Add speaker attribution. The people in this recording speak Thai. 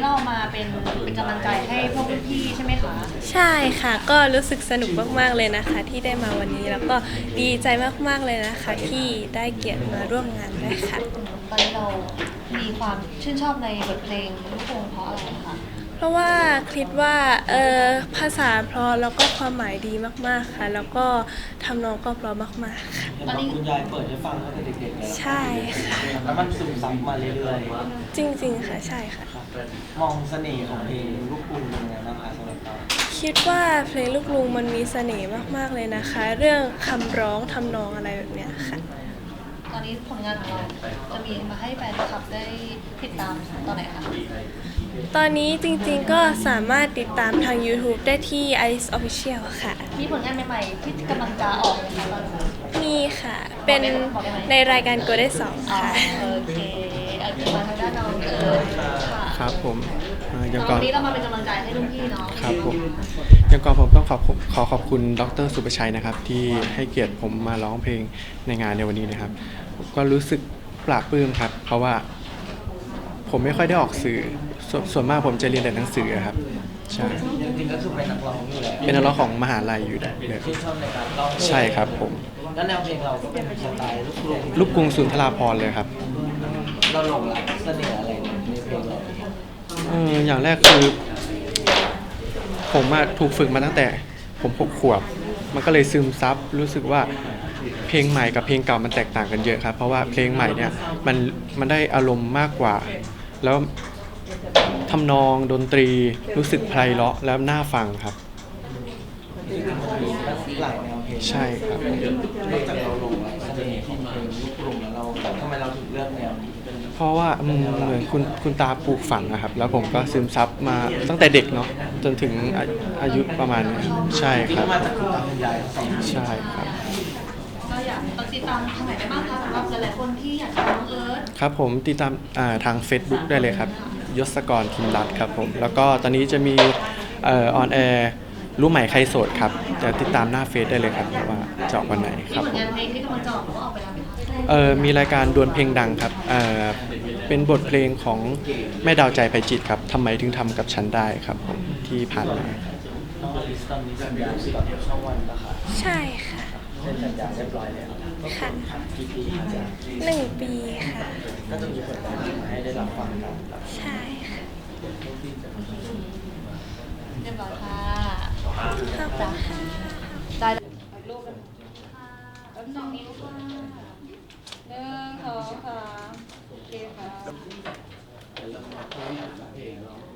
Speaker 1: เรามาเป็นกำลังใจให้พวกพี่ใช่ไหมคะ
Speaker 2: ใช่ค่ะก็รู้สึกสนุกมากๆเลยนะคะที่ได้มาวันนี้แล้วก็ดีใจมากๆเลยนะคะที่ได้เกียรติมาร่วมงานด้วยค่ะ
Speaker 1: ตอนนี้เรามีความชื่นชอบในบทเพลงลูกกรุงเพราะอะไรคะ
Speaker 2: เพราะว่าคิดว่าภาษาเพราะแล้วก็ความหมายดีมากๆค่ะแล้วก็ทำนองก็เพราะมากๆค่ะ
Speaker 3: ตอนนี้คุณยายเปิดให้ฟังตั้งแต่เด็กๆเลย
Speaker 2: ใช่ค่ะ
Speaker 3: แล้วมันซึมซับมาเรื่อย
Speaker 2: จริงๆค่ะใช่ค่ะ
Speaker 3: ๆมองเสน่ห์ของเพลงลูกกรุงเป็นยังไงบ้างคะสำหรับเรา
Speaker 2: คิดว่าเพลงลูกกรุงมันมีเสน่ห์มากๆเลยนะคะ เรื่องคำร้องทำนองอะไรแบบเนี้ยค่ะ
Speaker 1: ตอนนี้ผลงานของเราจะมีมาให้แฟนคลับได้ติดตามตอนไหนคะ
Speaker 2: ตอนนี้จริงๆก็สามารถติดตามทาง YouTube ได้ที่ Ice Official ค่ะ
Speaker 1: มีผลงานใหม่ๆที่กำลังจะออกไหมคะตอนนี้
Speaker 2: มีค่ะ เป็นในรายการ Go ได้สอง
Speaker 1: อ๋อ
Speaker 2: ค่ะ
Speaker 1: โอเคเอามาทางด้านน้องค่ะ
Speaker 4: ครับผมยัง
Speaker 1: ต
Speaker 4: ก่
Speaker 1: อ
Speaker 4: อน น
Speaker 1: นี้เรามาเป็นกำลังใจให้รุ่นพี่เนาะ
Speaker 4: ครับผมยังก่อนผมต้องขอบคุณดรสุประชัยนะครับ ที่ให้เกียรติผมมาร้องเพลงในงานในวันนี้นะครับผมก็รู้สึกปลาบปลื้มครับ เพราะว่าผมไม่ค่อยได้ออกสื่อส่วนมากผมจะเรียนแต่หนังสือครับใช่
Speaker 3: จริงๆก็คือเป็นนักร้องอยู่แล้ว
Speaker 4: เป็นนักร้องของมหาลัยอยู่เลย
Speaker 3: ชื่นชอบในการร้องเพลง
Speaker 4: ใช่ครับผม
Speaker 3: แล้วแนวเพลงเราก็เป็นสไตล์ลูกกรุง
Speaker 4: ลูกกรุงสุนทราภรณ์เลยครับ
Speaker 3: เราหลงรักเสน่ห์อะไรในเพลงเราเอง
Speaker 4: อย่างแรกคือผมถูกฝึกมาตั้งแต่ผม6 ขวบ มันก็เลยซึมซับรู้สึกว่าเพลงใหม่กับเพลงเก่ามันแตกต่างกันเยอะครับ เพราะว่าเพลงใหม่เนี่ยมันได้อารมณ์มากกว่า แล้วทำนองดนตรีรู้สึกไพเราะแล้วน่าฟังครับ
Speaker 3: หลายแนวเพลง
Speaker 4: ใช่ครับ
Speaker 3: นอกจากเราหลงรักเสน่ห์ของเพลงลูกกรุงแล้วเราทำไมเราถึงเลือกแนวนี้เป็น
Speaker 4: เพราะว่าเหมือนคุณตาปลูกฝังนะครับ แล้วผมก็ซึมซับมาตั้งแต่เด็กเนาะจนถึงอายุประมาณนี้ใช่ครับ
Speaker 3: มาจากคุณตาคุณยายทั้งสอง
Speaker 4: ใช่ครับ
Speaker 1: ก็อยากติดตามทางไหนได้บ้างคะสำหรับหลายๆคนที่อยากจะน้องเอิร์ธ
Speaker 4: ครับผมติดตามทาง Facebook ได้เลยครับยศกรทิมรัตน์ครับผมแล้วก็ตอนนี้จะมีออนแอร์รู้ใหม่ใครโสดครับจะติดตามหน้าเฟซได้เลยครับว่าจะออกวันไหนค
Speaker 1: มี
Speaker 4: รับ
Speaker 1: ผล
Speaker 4: ผม
Speaker 1: งานเพลงที่กำลังจะออกหรือว่าออกไปแล้วไหมคะ
Speaker 4: มีรายการดวลเพลงดังครับเป็นบทเพลงของแม่ดาวใจไพจิตรครับทำไมถึงทำกับฉันได้ครับผมที่ผ่านมา
Speaker 3: น้องอลิสตอนนี้สัญญากับช่องวันนะคะ
Speaker 2: ใช่ค่ะ
Speaker 3: เซ็นสัญญาเรียบร้อยแล้ว
Speaker 2: ค่ะ
Speaker 3: กี่ปีคะจ๊ะ
Speaker 2: 1 ปีค่ะ
Speaker 3: ก็จะมีผลงานมาให้ได้รับฟังกันครับ
Speaker 2: ใช่ค่ะ
Speaker 1: เรียบร้อยค่ะ
Speaker 2: ขอบคุณค่ะ
Speaker 1: ได้รูปกันค่ะ2 นิ้วค่ะ1 2 3โอเคค่ะ